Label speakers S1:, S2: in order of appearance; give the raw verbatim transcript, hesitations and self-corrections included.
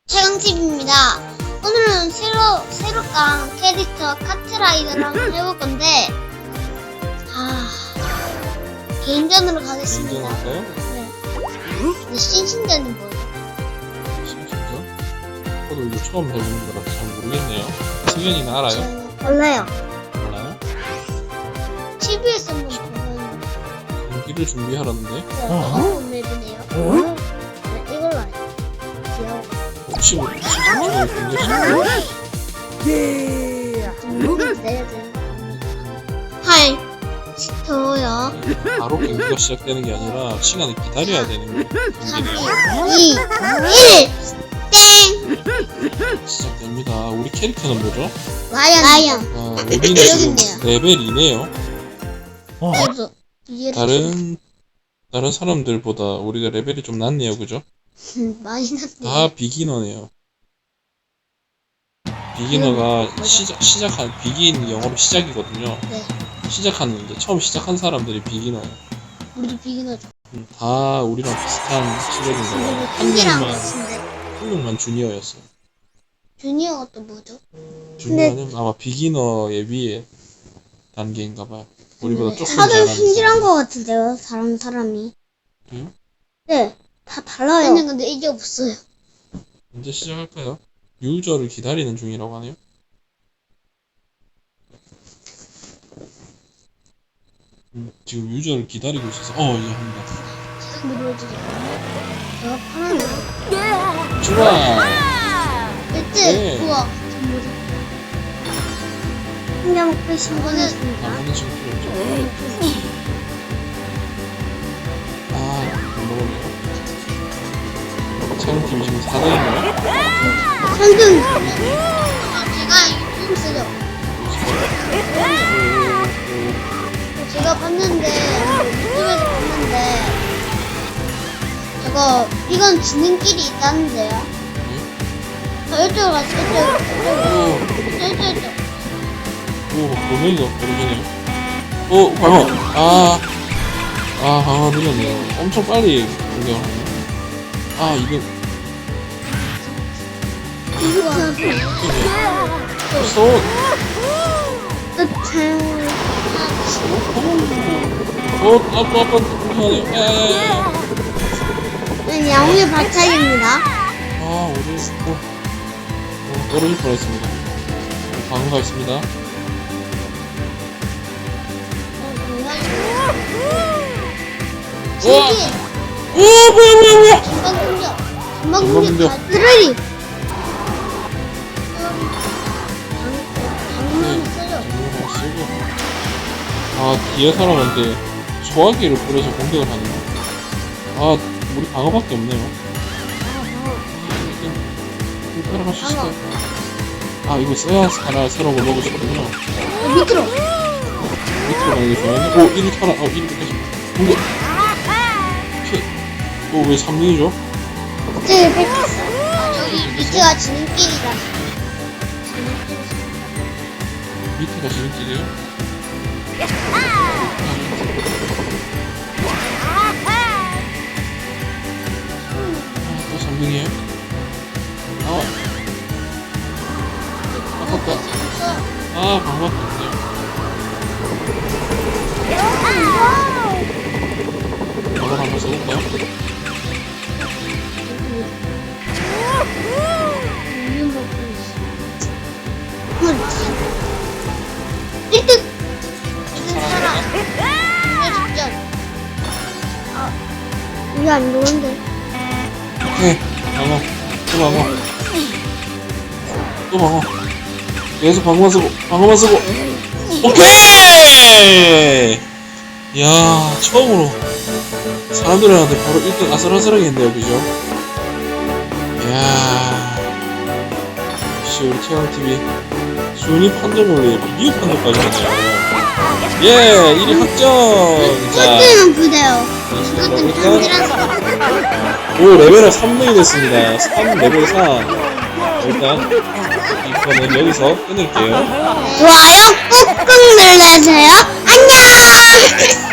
S1: 최강팁입니다. 오늘은 새로, 새로 깐 캐릭터 카트라이더를 한번 해볼 건데, 아, 개인전으로 가겠습니다.
S2: 개인전할까요?
S1: 네. 근데 신신전은 뭐예요?
S2: 신신전? 저도 이거 처음 해보는 거라서 잘 모르겠네요. 승현이는 알아요?
S1: 저는 몰라요.
S2: 몰라요?
S1: 티비에서 한번 보면,
S2: 경기를 준비하라는데?
S1: 너무 맵이네요. 네, 이걸로 알아요. 귀여워.
S2: 혹시 뭐 신신전을 경기 준비하나요?
S1: 좀 내야 돼요. 하이, 스토요.
S2: 바로 경기가 시작되는 게 아니라 시간을 기다려야 되는 거예요.
S1: 삼,
S2: 경기를.
S1: 이, 일, 땡!
S2: 시작됩니다. 우리 캐릭터는 뭐죠?
S1: 라이언. 라이언.
S2: 아, 우리는 지금
S1: 있네요.
S2: 레벨 이네요.
S1: 그래서 이해를
S2: 다른 다른 사람들보다 우리가 레벨이 좀 낮네요, 그죠?
S1: 좀 많이 났네요.
S2: 다 비기너네요. 비기너가
S1: 맞아.
S2: 시작 시작한 비긴 영어로 시작이거든요.
S1: 네,
S2: 시작하는 이제 처음 시작한 사람들이 비기너예요.
S1: 우리도 비기너죠.
S2: 음, 다 우리랑 비슷한 실력인
S1: 우리도
S2: 거예요. 한
S1: 한계랑
S2: 명만
S1: 같은데.
S2: 한 명만 주니어였어요.
S1: 주니어가 또 뭐죠?
S2: 주니어는 아마 비기너의 위에 단계인가봐요. 우리보다 조금
S1: 다들
S2: 잘하는
S1: 힘질한
S2: 사람.
S1: 것 같은데요, 다른 사람이.
S2: 그래요?
S1: 네, 다 달라요. 저는 근데 이게 없어요.
S2: 이제 시작할까요? 유저를 기다리는 중이라고 하네요. 음, 지금 유저를 기다리고 있어서 어 이제 합니다.
S1: 근데 뭐지? 제가 편하네.
S2: 좋아.
S1: 일등
S2: 네.
S1: 우와, 저 뭐지? 한장 목표 신고했습니다.
S2: 아무는 지금 필요 없죠. 아, 못 먹었네요. 촬영팀 지금 사 대인가요?
S1: 삼 등! 제가 이거 쓰죠. 제가 봤는데, 유튜브에서 봤는데, 저거, 이건 지능끼리 있다는데요? 저 이쪽으로 가서 이쪽으로, 이쪽으로, 이쪽으로, 이쪽으로.
S2: 오, 보면서 버리네요. 오, 방어. 아, 아, 방어 느렸네요. 엄청 빨리 공격하네요. 아, 이거 소.
S1: 끝을.
S2: 어, 아빠, 아빠, 공격하네요. 야야야야.
S1: 네, 양우의 발차기입니다.
S2: 아, 우리 어, 어, 떨어질 뻔했습니다. 방어가 있습니다. 우와!
S1: 신기!
S2: 오, 뭐야, 뭐야, 뭐야!
S1: 전방 공격! 전방
S2: 전방
S1: 공격!
S2: 공격.
S1: 다 쓰러리! 방문을 쓰죠.
S2: 정보가 쓰고. 아, 뒤에 사람한테 소화기를 뿌려서 공격을 하네요. 아, 우리 방어밖에 없네요. 이거 따라갈 수 있을까요? 아, 이거 써야 하나 새로운 걸 먹을 수 있거든요.
S1: 어, 밑으로!
S2: 밑으로 가는 게 좋아요. 오, 일 위 타라. 어, 일 위 뺏겼어. 공격! 오케이. 오, 왜 삼 등이죠?
S1: 밑에 뺏겼어. 아, 저기 밑에가 지름길이라.
S2: 밑에가 지름길이에요? 아, 또 삼 등이에요? 아, 아깝다. 아, 방어밖에 없네요. 방어 한번 써볼까요?
S1: 일 등! 일 등 사람! 공개 직전! 아, 이게 안 좋은데.
S2: 오케이. 방어. 또 방어. 또 방어. 계속 방어만 쓰고, 방어만 쓰고. 오케이! 이야, 처음으로 사람들한테 바로 일 등 아슬아슬하게 했네요, 그죠? 이야. 역시 우리 태양티비 순위 판정을 리뷰 판정까지 하네요. 예, 일 위 확정! 자,
S1: 꼴등은 그대요.
S2: 그렇습니다.
S1: 그것도
S2: 일단,
S1: 편지라서.
S2: 오, 레벨은 삼 등이 됐습니다. 삼, 레벨 삼. 일단, 이거는 여기서 끊을게요.
S1: 좋아요 꾹꾹 눌러주세요. 안녕!